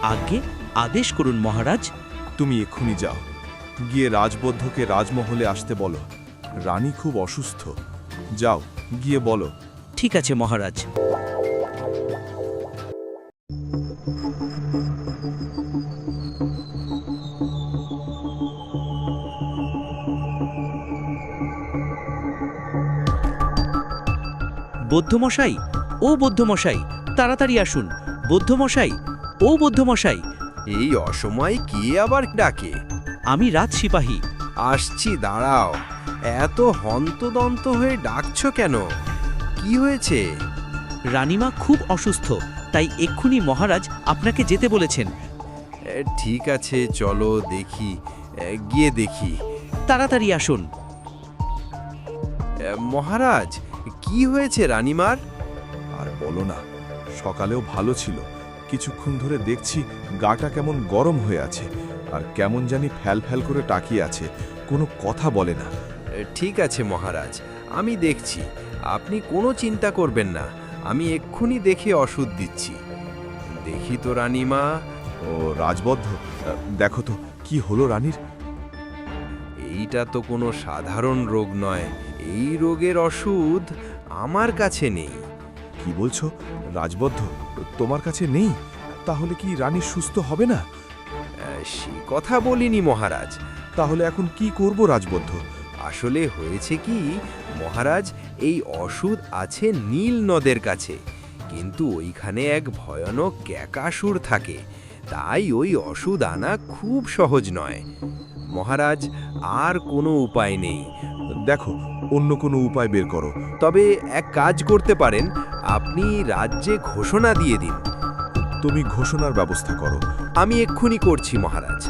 আজ্ঞে, আদেশ করুন মহারাজ। তুমি এক্ষুনি যাও, গিয়ে রাজবদ্ধকে রাজমহলে আসতে বলো। রানী খুব অসুস্থ। যাও, গিয়ে বলো। ঠিক আছে মহারাজ। বৌদ্ধমশাই, ও বৌদ্ধমশাই, তাড়াতাড়ি আসুন। বৌদ্ধমশাই, ও বৌদ্ধমশাই। এই অসময়ে কে আবার ডাকে? আমি রাজ সিপাহী। আসছি, দাঁড়াও। এত হন্তদন্ত হয়ে ডাকছো কেন? কি হয়েছে? রানীমা খুব অসুস্থ, তাই এক্ষুনি মহারাজ আপনাকে যেতে বলেছেন। ঠিক আছে, চলো দেখি, গিয়ে দেখি। তাড়াতাড়ি আসুন। মহারাজ, কি হয়েছে রানীমার? আর বলো না, সকালেও ভালো ছিল, কিছুক্ষণ ধরে দেখছি গাটা কেমন গরম হয়ে আছে, আর কেমন জানি ফ্যাল ফ্যাল করে তাকিয়ে আছে, কোনো কথা বলে না। ঠিক আছে মহারাজ, আমি দেখছি। আপনি কোনো চিন্তা করবেন না, আমি এক্ষুনি দেখে ওষুধ দিচ্ছি। দেখি তো রানীমা। ও রাজবদ্ধ, দেখো তো কি হলো রানীর। এইটা তো কোনো সাধারণ রোগ নয়। এই রোগের ওষুধ আমার কাছে নেই। কি বলছো রাজবদ্ধ? তোমার কাছে নেই? তাহলে কি রানী সুস্থ হবে না? সে কথা বলিনি মহারাজ। তাহলে এখন কি করব রাজবদ্ধ? আসলে হয়েছে কি মহারাজ, এই ওষুধ আছে নীল নদের কাছে, কিন্তু ওইখানে এক ভয়ানক ক্যাকাসুর থাকে, তাই ওই ওষুধ আনা খুব সহজ নয় মহারাজ। আর কোনো উপায় নেই। দেখো, অন্য কোনো উপায় বের করো। তবে এক কাজ করতে পারেন, আপনি রাজ্যে ঘোষণা দিয়ে দিন। তুমি ঘোষণার ব্যবস্থা করো। আমি এক্ষুনি করছি মহারাজ।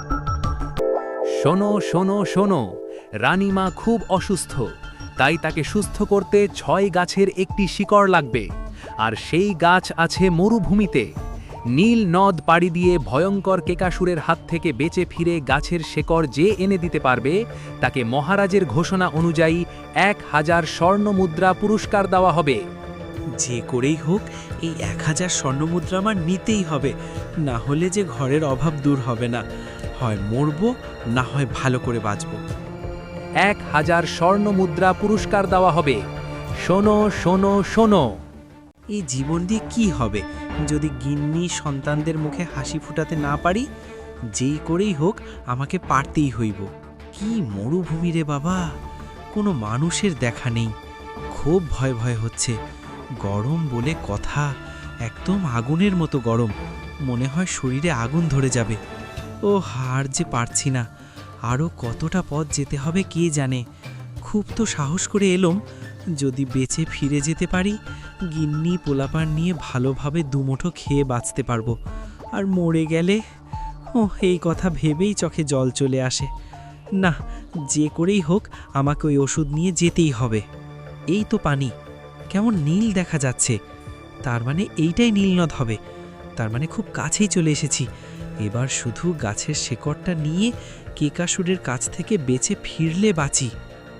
শোনো শোনো শোনো, রানীমা খুব অসুস্থ, তাই তাকে সুস্থ করতে 6 গাছের একটি শিকড় লাগবে, আর সেই গাছ আছে মরুভূমিতে। নীল নদ পাড়ি দিয়ে ভয়ঙ্কর কেকাসুরের হাত থেকে বেঁচে ফিরে গাছের শেকড় যে এনে দিতে পারবে, তাকে মহারাজের ঘোষণা অনুযায়ী 1000 স্বর্ণ মুদ্রা পুরস্কার দেওয়া হবে। যে করেই হোক এই 1000 স্বর্ণমুদ্রা আমার নিতেই হবে, না হলে যে ঘরের অভাব দূর হবে না। হয় মরব, না হয় ভালো করে বাঁচব। 1000 স্বর্ণ মুদ্রা পুরস্কার দেওয়া হবে। শোনো শোনো শোনো। এই জীবন দিয়ে কি হবে যদি গিন্নি সন্তানদের মুখে হাসি ফুটাতে না পারি? যেই করেই হোক আমাকে পারতেই হইব। কি মরুভূমি রে বাবা, কোনো মানুষের দেখা নেই। খুব ভয় ভয় হচ্ছে। গরম বলে কথা, একদম আগুনের মতো গরম। মনে হয় শরীরে আগুন ধরে যাবে। ও হার যে পারছি না। আরও কতটা পথ যেতে হবে কে জানে। খুব তো সাহস করে এলাম, যদি বেঁচে ফিরে যেতে পারি, গিন্নি পোলাপান নিয়ে ভালোভাবে দুমুঠো খেয়ে বাঁচতে পারবো। আর মরে গেলে, ও এই কথা ভেবেই চোখে জল চলে আসে। না, যে করেই হোক আমাকে ওই ওষুধ নিয়ে যেতেই হবে। এই তো পানি, কেমন নীল দেখা যাচ্ছে। তার মানে এইটাই নীলনদ হবে। তার মানে খুব কাছেই চলে এসেছি। এবার শুধু গাছের শেকড়টা নিয়ে কেকাসুরের কাছ থেকে বেঁচে ফিরলে বাঁচি।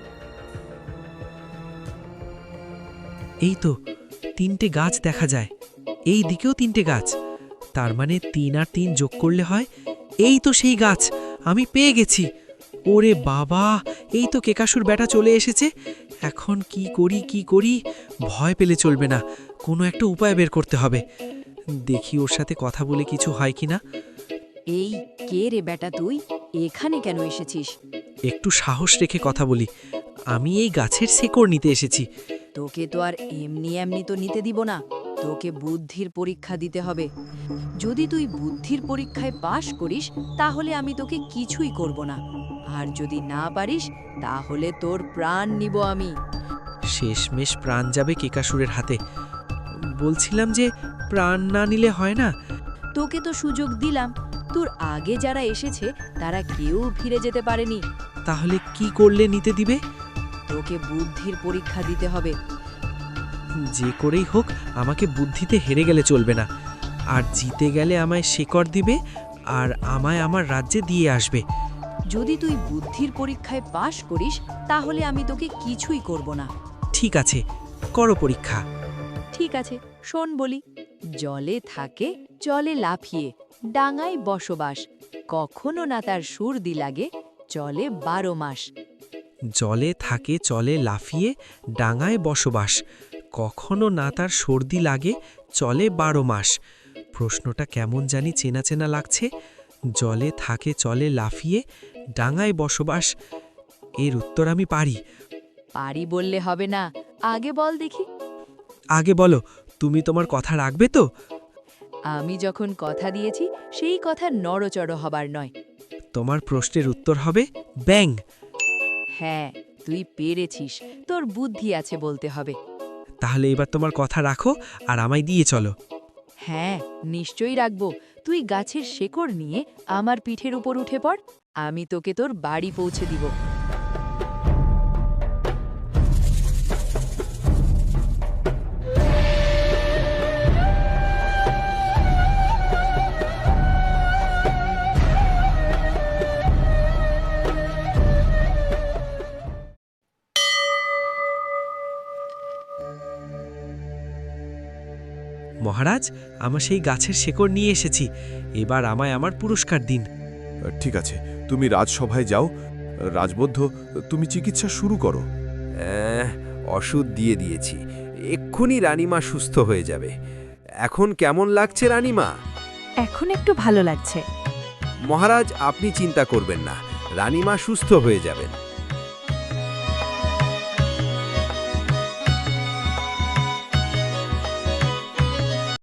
এই তো 3টে গাছ দেখা যায়, এই দিকেও 3টে গাছ। তার মানে 3 আর 3 যোগ করলে হয়। এই তো সেই গাছ, আমি পেয়ে গেছি। ওরে বাবা, এই তো কেকাসুর বেটা চলে এসেছে। এখন কি করি কি করি? ভয় পেলে চলবে না, কোনো একটা উপায় বের করতে হবে। দেখি ওর সাথে কথা বলে কিছু হয় কিনা। এই কে রে বেটা, তুই এখানে কেন এসেছিস? একটু সাহস রেখে কথা বলি। আমি এই গাছের শেকড় নিতে এসেছি। তোকে তো আর এমনি এমনি তো নিতে দিব না, তোকে বুদ্ধির পরীক্ষা দিতে হবে। যদি তুই বুদ্ধির পরীক্ষায় পাশ করিস তাহলে আমি তোকে কিছুই করব না, আর যদি না পারিস তাহলে তোর প্রাণ নিব আমি। শেষমেশ প্রাণ যাবে কেকাসুরের হাতে। বলছিলাম যে প্রাণ না নিলে হয় না। তোকে তো সুযোগ দিলাম, তোর আগে যারা এসেছে তারা কেউ ফিরে যেতে পারেনি। তাহলে কি করলে নিতে দিবে? তোকে বুদ্ধির পরীক্ষা দিতে হবে। যে করেই হোক আমাকে বুদ্ধিতে হেরে গেলে চলবে না। আর জিতে গেলে আমায় শেকড় দিবে, আর আমায় আমার রাজ্যে দিয়ে আসবে। যদি তুই বুদ্ধির পরীক্ষায় পাশ করিস তাহলে আমি তোকে কিছুই করব না। ঠিক আছে, করো পরীক্ষা। ঠিক আছে, শোন বলি। জলে থাকে জলে লাফিয়ে, ডাঙায় বসবাস, কখনো না তার সর্দি লাগে, চলে 12 মাস। জলে থাকে চলে লাফিয়ে, ডাঙায় বসবাস, কখনো না তার সর্দি লাগে, চলে 12 মাস। প্রশ্নটা কেমন জানি চেনা চেনা লাগছে। জলে থাকে চলে লাফিয়ে, ডাঙায় বসবাস। এর উত্তর আমি পারি। পারি বললে হবে না, আগে বল দেখি। আগে বলো, তুমি তোমার কথা রাখবে তো? আমি যখন কথা দিয়েছি সেই কথা নড়চড় হবার নয়। তোমার প্রশ্নের উত্তর হবে ব্যাঙ। হ্যাঁ, তুই পেরেছিস, তোর বুদ্ধি আছে বলতে হবে। তাহলে এবার তোমার কথা রাখো আর আমায় দিয়ে চলো। হ্যাঁ, নিশ্চয়ই রাখবো। তুই গাছের শেকড় নিয়ে আমার পিঠের উপর উঠে পড়, আমি তোকে তোর বাড়ি পৌঁছে দিব। মহারাজ, আমার সেই গাছের শেকড় নিয়ে এসেছি। এবার আমায় আমার পুরস্কার দিন। ঠিক আছে, তুমি রাজসভায় যাও। রাজবদ্ধ, তুমি চিকিৎসা শুরু করো। ওষুধ দিয়ে দিয়েছি, এক্ষুনি রানীমা সুস্থ হয়ে যাবে। এখন কেমন লাগছে রানীমা? এখন একটু ভালো লাগছে। মহারাজ, আপনি চিন্তা করবেন না, রানীমা সুস্থ হয়ে যাবেন।